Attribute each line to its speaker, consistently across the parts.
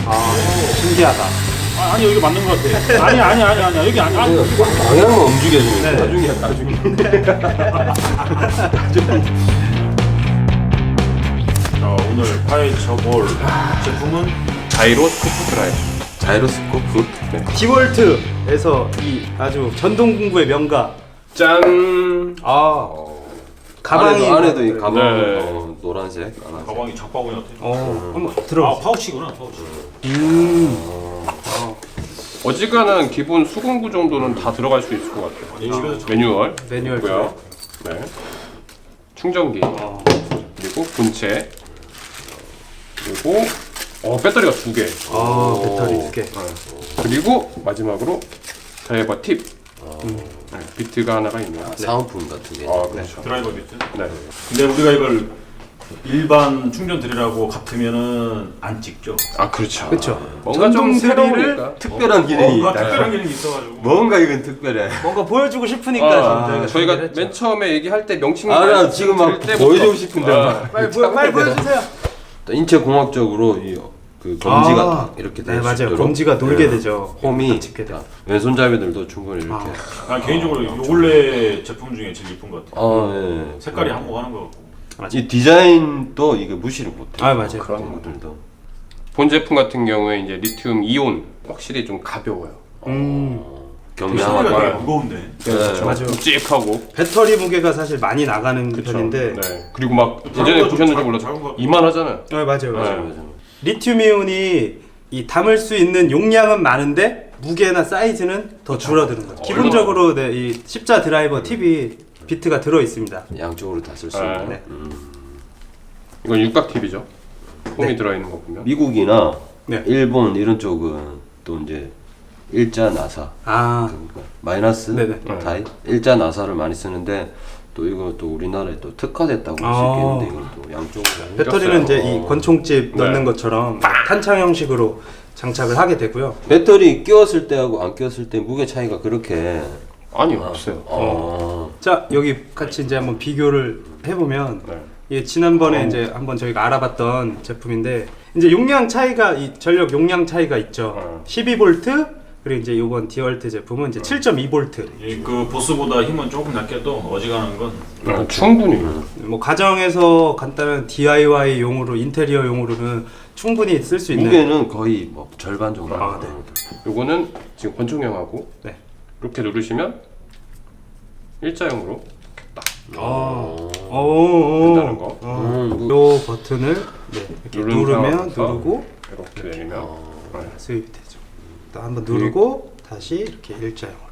Speaker 1: 신기하다.
Speaker 2: 아니 여기 맞는 것 같아. 아니 여기 아니.
Speaker 3: 방향만 움직여주면
Speaker 1: 네.
Speaker 3: 나중이야 나중에.
Speaker 2: 자, 오늘 파헤쳐볼 제품은
Speaker 4: 자이로 스코프 드라이브.
Speaker 3: 자이로스코프.
Speaker 4: 네.
Speaker 1: 디월트에서 이 아주 전동 공구의 명가.
Speaker 4: 짠.
Speaker 1: 가방이
Speaker 3: 안에도 이 가방
Speaker 4: 네.
Speaker 3: 노란색.
Speaker 2: 가방이 장바구니 같아.
Speaker 1: 한번 들어.
Speaker 2: 파우치구나 파우치.
Speaker 4: 어지간한 기본 수공구 정도는 다 들어갈 수 있을 것 같아요. 매뉴얼.
Speaker 1: 매뉴얼
Speaker 4: 있고요. 네. 충전기. 그리고 본체. 그리고 배터리가 2개.
Speaker 1: 배터리 2개.
Speaker 4: 그리고 마지막으로 드라이버 팁. 네, 비트가 하나가 있네요.
Speaker 3: 사은품 같은 게.
Speaker 4: 그렇죠.
Speaker 2: 드라이버 비트.
Speaker 4: 네.
Speaker 2: 근데 우리가 이걸 일반 충전 드릴하고 같으면은 안 찍죠.
Speaker 4: 그렇죠.
Speaker 1: 그렇죠.
Speaker 4: 뭔가 좀
Speaker 1: 전동 드릴을
Speaker 4: 새로우니까.
Speaker 3: 특별한 기능이
Speaker 2: 뭔가
Speaker 3: 있다.
Speaker 2: 특별한 기능이 있어가지고.
Speaker 3: 뭔가 이건 특별해.
Speaker 1: 뭔가 보여주고 싶으니까
Speaker 4: 저희가
Speaker 1: 준비를 했죠.
Speaker 4: 맨 처음에 얘기할 때 명칭
Speaker 3: 나 지금 막
Speaker 4: 말씀드릴 때부터
Speaker 3: 보여주고 싶은데.
Speaker 1: 빨리 보여주세요.
Speaker 3: 인체 공학적으로 그 검지가 딱 이렇게
Speaker 1: 네
Speaker 3: 될 수
Speaker 1: 맞아요.
Speaker 3: 있도록.
Speaker 1: 검지가 놀게
Speaker 3: 네.
Speaker 1: 되죠.
Speaker 3: 홈이
Speaker 1: 짚게 돼요.
Speaker 3: 왼손잡이들도 충분히 이렇게.
Speaker 2: 개인적으로 요 원래 제품 중에 제일 예쁜 것 같아.
Speaker 3: 예.
Speaker 2: 색깔이 한몫하는 것 같고.
Speaker 3: 이 디자인도 이게 무시를 못해.
Speaker 1: 맞아요.
Speaker 3: 그런 것들도.
Speaker 4: 본 제품 같은 경우에 이제 리튬 이온 확실히 좀 가벼워요.
Speaker 2: 소리가
Speaker 3: 경량하고.
Speaker 2: 되게 무거운데.
Speaker 3: 네.
Speaker 1: 맞아요.
Speaker 4: 묵직하고.
Speaker 1: 배터리 무게가 사실 많이 나가는 편인데.
Speaker 4: 네. 그리고 막 예전에
Speaker 2: 좀
Speaker 4: 보셨는지
Speaker 2: 작은
Speaker 4: 몰라도
Speaker 2: 거 같고.
Speaker 4: 이만하잖아요.
Speaker 1: 맞아요.
Speaker 4: 네.
Speaker 1: 리튬이온이 이 담을 수 있는 용량은 많은데 무게나 사이즈는 더 줄어드는 거죠. 기본적으로 이 십자 드라이버 팁이 비트가 들어 있습니다.
Speaker 3: 양쪽으로 다 쓸 수
Speaker 4: 네.
Speaker 3: 있는.
Speaker 1: 네.
Speaker 4: 이건 육각 팁이죠. 홈이 들어있는 거 보면.
Speaker 3: 미국이나
Speaker 1: 네.
Speaker 3: 일본 이런 쪽은 또 이제 일자 나사, 그러니까 마이너스
Speaker 1: 네네.
Speaker 3: 타입 일자 나사를 많이 쓰는데 또 이거 또 우리나라에 또 특화됐다고 볼 수 있겠는데 이걸 또 양쪽으로.
Speaker 1: 배터리는 이제 이 권총집
Speaker 4: 네.
Speaker 1: 넣는 것처럼 탄창 형식으로 장착을 하게 되고요.
Speaker 3: 배터리 끼웠을 때하고 안 끼웠을 때 무게 차이가 그렇게.
Speaker 4: 아니 없어요.
Speaker 1: 자 여기 같이 이제 한번 비교를 해보면
Speaker 4: 네.
Speaker 1: 이게 지난번에 이제 한번 저희가 알아봤던 제품인데 이제 용량 차이가 이 전력 용량 차이가 있죠. 12V 그리고 이제 이번 디월트 제품은 이제 7.2V.
Speaker 2: 그 보스보다 힘은 조금 낮게도 어지간한 건.
Speaker 4: 충분히.
Speaker 1: 뭐 가정에서 간단한 DIY용으로 인테리어용으로는 충분히 쓸 수 있는.
Speaker 3: 무게는 거의 뭐 절반 정도.
Speaker 1: 네.
Speaker 4: 요거는 지금 권총형하고
Speaker 1: 네.
Speaker 4: 이렇게 누르시면 일자형으로 된다는 거.
Speaker 1: 요 버튼을 이렇게
Speaker 4: 누른
Speaker 1: 누르면
Speaker 4: 상황에서
Speaker 1: 누르고
Speaker 4: 이렇게 내리면
Speaker 1: 수입이 되죠. 또 한번 누르고 다시 이렇게 일자형으로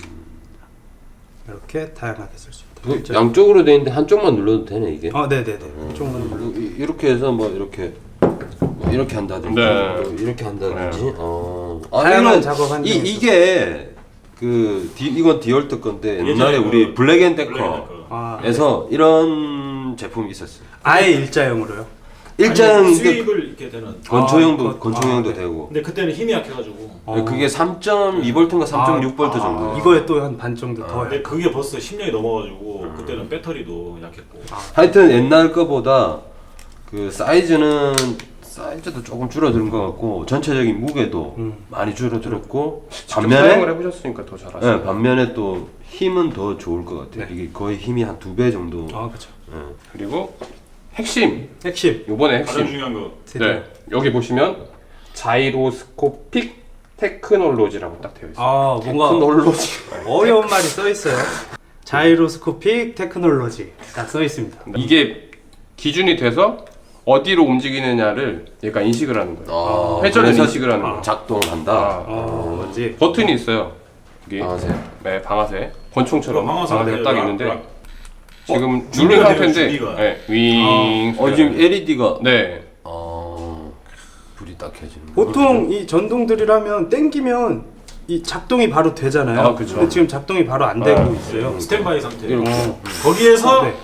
Speaker 1: 이렇게 다양하게 쓸 수 있다.
Speaker 3: 그 양쪽으로 돼 있는데 한쪽만 눌러도 되네 이게.
Speaker 1: 네네네. 이쪽만 눌러.
Speaker 3: 이렇게 해서 뭐 이렇게 이렇게 한다든지
Speaker 4: 네.
Speaker 3: 또 이렇게 한다든지.
Speaker 4: 네.
Speaker 1: 다양한
Speaker 3: 이건
Speaker 1: 작업 한
Speaker 3: 이게 이건 디월트 건데 옛날에 우리 블랙앤데커에서 이런 제품이 있었어요.
Speaker 1: 아예 일자형으로요.
Speaker 3: 일자형
Speaker 2: 수입을 이렇게 되는.
Speaker 3: 권총형도
Speaker 1: 네.
Speaker 3: 되고.
Speaker 2: 근데 그때는 힘이 약해가지고.
Speaker 3: 그게 3.2V인가 3.6V 정도.
Speaker 1: 이거에 또 한 반 정도 더.
Speaker 2: 근데 그게 벌써 10년이 넘어가지고 그때는 배터리도 약했고.
Speaker 3: 하여튼 옛날 거보다 그 사이즈도 조금 줄어든 것 같고 전체적인 무게도 많이 줄어들었고
Speaker 4: 직접 사용을 해보셨으니까 더 잘하시네요.
Speaker 3: 네, 반면에 또 힘은 더 좋을 것 같아요. 이게 거의 힘이 한 2배 정도.
Speaker 1: 그렇죠.
Speaker 4: 그리고 핵심 요번에
Speaker 2: 가장
Speaker 4: 핵심
Speaker 2: 중요한 거.
Speaker 4: 네 여기 보시면 자이로스코픽 테크놀로지라고 딱 되어 있어요.
Speaker 1: 뭔가
Speaker 3: 테크놀로지.
Speaker 1: 어려운 말이 써 있어요. 자이로스코픽 테크놀로지 딱 써 있습니다.
Speaker 4: 이게 기준이 돼서 어디로 움직이느냐를 얘가 인식을 하는 거예요. 회전을
Speaker 3: 그래서
Speaker 4: 인식을 하는 거예요.
Speaker 3: 작동한다.
Speaker 1: 뭔지.
Speaker 4: 버튼이 있어요. 여기
Speaker 3: 방아쇠.
Speaker 4: 네 방아쇠 권총처럼
Speaker 2: 방아쇠가
Speaker 4: 방아쇠가 딱
Speaker 2: 락,
Speaker 4: 있는데
Speaker 2: 락.
Speaker 4: 지금 누른
Speaker 2: 준비가 돼요,
Speaker 4: 상태인데
Speaker 2: 준비가.
Speaker 4: 네, 윙
Speaker 3: 지금 LED가
Speaker 4: 네
Speaker 3: 불이 딱 켜지는.
Speaker 1: 보통 이 전동들이라면 땡기면 이 작동이 바로 되잖아요.
Speaker 4: 그쵸.
Speaker 1: 근데 지금 작동이 바로 안 되고 있어요.
Speaker 2: 스탠바이 상태.
Speaker 3: 이렇게.
Speaker 2: 거기에서
Speaker 1: 네.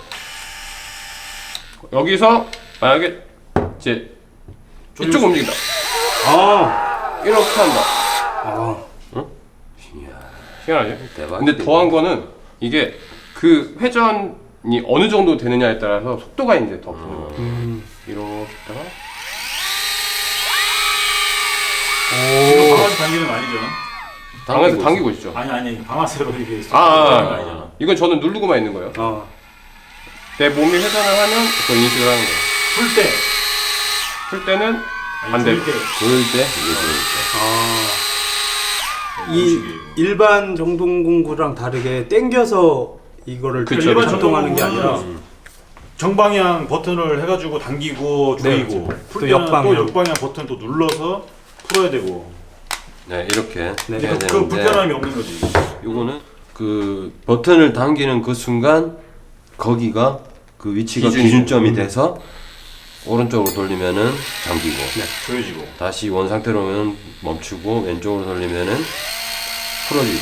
Speaker 4: 여기서 만약에 이제 이쪽 움직인다 이렇게 한다 희한하죠?
Speaker 3: 대박.
Speaker 4: 근데 더한 거는 이게 그 회전이 어느 정도 되느냐에 따라서 속도가 이제 더 붙는 거예요. 이렇게 했다가
Speaker 2: 이거 방아쇠 당기는 거 아니죠?
Speaker 4: 방에서 당기고 있죠.
Speaker 2: 아니 방아쇠로 이게
Speaker 4: 아, 이건 저는 누르고만 있는 거예요. 내 몸이 회전을 하면 그걸 인식을 하는 거예요. 풀 때는 반대.
Speaker 2: 불 때.
Speaker 3: 그럴 때 이게
Speaker 1: 이 일반 정동공구랑 다르게 당겨서 이거를
Speaker 4: 그쵸,
Speaker 2: 일반
Speaker 1: 작동하는 게 아니라
Speaker 2: 정동공구는 정방향 버튼을 해가지고 당기고 조이고 풀
Speaker 1: 또
Speaker 2: 때는
Speaker 1: 역방향.
Speaker 2: 또 역방향 버튼 또 눌러서 풀어야 되고.
Speaker 3: 네, 이렇게
Speaker 1: 네.
Speaker 3: 해야
Speaker 2: 그
Speaker 3: 되는데
Speaker 2: 불편함이 없는 거지.
Speaker 3: 요거는 그 버튼을 당기는 그 순간 거기가 그 위치가 기준점이 돼서 오른쪽으로 돌리면은 잠기고
Speaker 2: 조여지고.
Speaker 3: 다시 원 상태로 오면 멈추고 왼쪽으로 돌리면은 풀어지고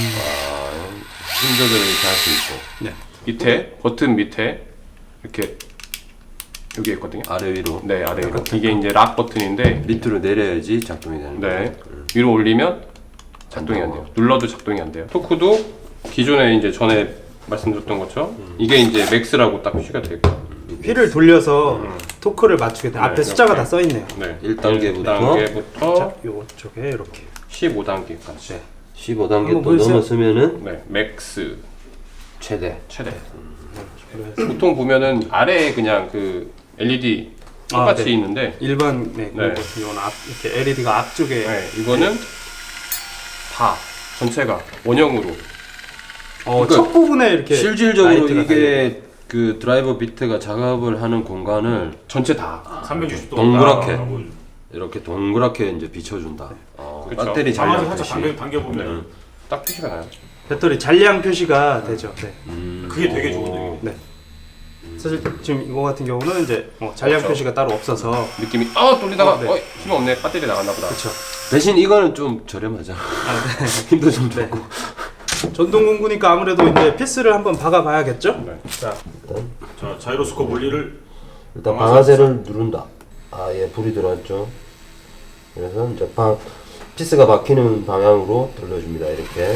Speaker 3: 힘 조절을 이렇게 할 수 있고
Speaker 4: 밑에 버튼 밑에 이렇게 여기 있거든요.
Speaker 3: 아래 위로
Speaker 4: 네, 아래 위로. 이게 이제 락 버튼인데
Speaker 3: 밑으로 내려야지 작동이 되는
Speaker 4: 네.
Speaker 3: 거예요.
Speaker 4: 위로 올리면 작동이 안 돼요. 눌러도 작동이 안 돼요. 토크도 기존에 이제 전에 말씀드렸던 것처럼 이게 이제 맥스라고 딱 표시가 되고
Speaker 1: 휠을 돌려서 토크를 맞추게 돼. 앞에
Speaker 4: 네,
Speaker 1: 숫자가
Speaker 4: 이렇게.
Speaker 1: 다 써 있네요.
Speaker 4: 네.
Speaker 3: 1단계부터
Speaker 4: 1단계부터
Speaker 1: 요쪽에 이렇게.
Speaker 4: 15단계까지.
Speaker 3: 15단계
Speaker 1: 한번
Speaker 3: 또
Speaker 1: 보여주세요.
Speaker 3: 넘었으면은
Speaker 4: 네, 맥스
Speaker 3: 최대.
Speaker 4: 최대. 보통 보면은 아래에 그냥 그 LED 똑같이
Speaker 1: 네.
Speaker 4: 있는데
Speaker 1: 일반
Speaker 4: 네.
Speaker 1: 이건 앞 이렇게 LED가 앞쪽에
Speaker 4: 네, 이거는 다 전체가 원형으로
Speaker 1: 첫 부분에 이렇게
Speaker 3: 실질적으로
Speaker 1: 라이트가
Speaker 3: 이게 그 드라이버 비트가 작업을 하는 공간을
Speaker 4: 전체 다
Speaker 2: 360도.
Speaker 3: 동그랗게 이렇게 동그랗게 이제 비춰준다.
Speaker 4: 그쵸.
Speaker 3: 배터리
Speaker 2: 방아쇠
Speaker 3: 잔량
Speaker 2: 살짝
Speaker 3: 표시.
Speaker 2: 당겨보면
Speaker 4: 딱 표시가 나요.
Speaker 1: 배터리 잔량 표시가 되죠. 네.
Speaker 2: 그게 되게 좋은데.
Speaker 1: 네. 사실 지금 이거 같은 경우는 이제 잔량
Speaker 4: 그렇죠.
Speaker 1: 표시가 따로 없어서
Speaker 4: 느낌이 돌리다가
Speaker 1: 네.
Speaker 4: 힘 없네. 배터리 나갔나 보다.
Speaker 1: 그렇죠.
Speaker 3: 대신 이거는 좀 저렴하잖아. 힘도 좀
Speaker 1: 네.
Speaker 3: 좋고.
Speaker 1: 전동공구니까 아무래도 이제 피스를 한번 박아봐야겠죠.
Speaker 4: 네.
Speaker 1: 자,
Speaker 2: 자, 자이로스코프 원리를
Speaker 3: 일단 방아쇠를 누른다. 예, 불이 들어왔죠. 그래서 이제 피스가 박히는 방향으로 돌려줍니다. 이렇게.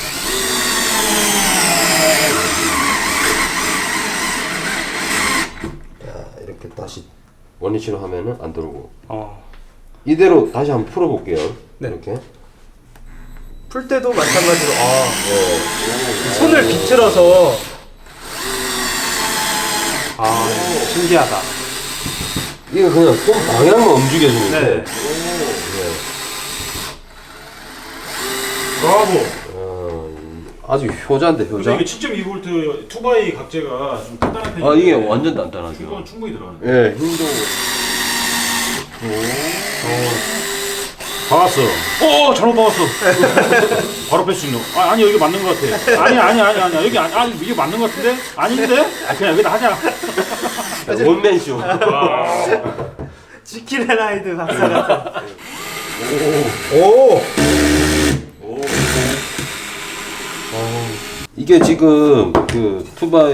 Speaker 3: 자, 이렇게 다시 원위치로 하면은 안 들어오고. 이대로 다시 한번 풀어볼게요.
Speaker 1: 네.
Speaker 3: 이렇게.
Speaker 1: 풀 때도 마찬가지로 손을 비틀어서 신기하다.
Speaker 3: 이거 그냥 손 방향만 움직여주면
Speaker 1: 네.
Speaker 3: 돼.
Speaker 2: 브라보.
Speaker 3: 아주 효자인데 효자.
Speaker 2: 근데 이게 7.2V 투바이 각재가 좀 단단한 편이에요.
Speaker 3: 이게 완전 단단하죠.
Speaker 2: 이건 충분히 들어가네.
Speaker 3: 예, 힘도.
Speaker 2: 박았어. 잘못 박았어. 바로 뺄 수 있는. 아니 여기 맞는 것 같아. 아니 여기 이게 맞는 것 같은데? 아닌데? 그냥 여기다 하자.
Speaker 3: 원맨쇼.
Speaker 1: 지킬앤하이드 박사 같은.
Speaker 3: 이게 지금 그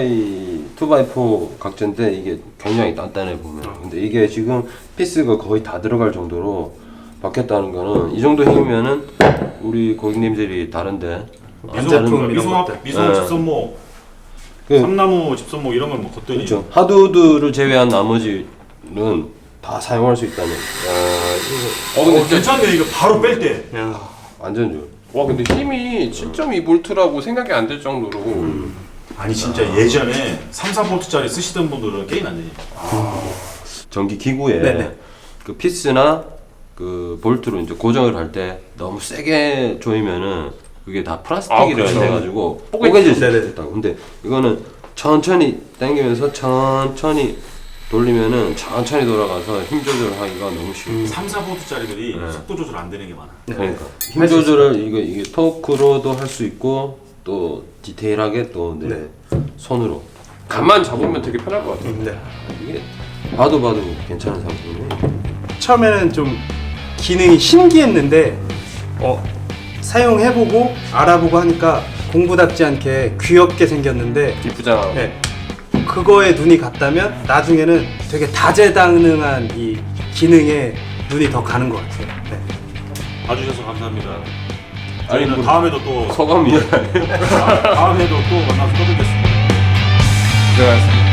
Speaker 3: 2x4 각재인데 이게 굉장히 단단해 보면. 근데 이게 지금 피스가 거의 다 들어갈 정도로 박혔다는 거는 이 정도 힘이면은 우리 고객님들이 다른데
Speaker 1: 반제품 이런
Speaker 2: 미소 집선목,
Speaker 3: 그-
Speaker 2: 삼나무 집선목 이런 건 뭐 걷더니
Speaker 3: 그렇죠. 하드우드를 제외한 나머지는 다 사용할 수 있다는.
Speaker 4: 근데 진짜
Speaker 2: 괜찮네. 이거 바로 뺄 때.
Speaker 3: 완전 좋아.
Speaker 4: 와 근데 힘이 7.2V라고 생각이 안 될 정도로
Speaker 2: 아니 진짜 예전에 3, 4V짜리 쓰시던 분들은 게임 안 되지.
Speaker 3: 전기 기구에
Speaker 1: 네네.
Speaker 3: 그 피스나 그 볼트로 이제 고정을 할 때 너무 세게 조이면은 그게 다 플라스틱이라
Speaker 4: 그렇죠.
Speaker 3: 해가지고
Speaker 4: 뽀개질
Speaker 3: 뽀개질 수
Speaker 1: 네네.
Speaker 3: 있다고. 근데 이거는 천천히 당기면서 천천히 돌리면은 천천히 돌아가서 힘 조절하기가 너무 쉬워.
Speaker 2: 3, 4V짜리들이 속도 조절 안 되는 게 많아.
Speaker 3: 그러니까 힘 조절을 이게 토크로도 할 수 있고 또 디테일하게 또 내 손으로
Speaker 4: 감만 잡으면 되게 편할 것 같아요.
Speaker 1: 네.
Speaker 3: 이게 봐도 괜찮은 상품이에요.
Speaker 1: 처음에는 좀 기능이 신기했는데 사용해보고 알아보고 하니까 공부답지 않게 귀엽게 생겼는데
Speaker 4: 이쁘잖아.
Speaker 1: 네. 그거에 눈이 갔다면 나중에는 되게 다재다능한 이 기능에 눈이 더 가는 것 같아요. 네.
Speaker 2: 봐주셔서 감사합니다. 저희는 다음에도 또
Speaker 3: 소감이
Speaker 2: 다음에도 또 만나서 떠들겠습니다.
Speaker 4: 고생하셨습니다.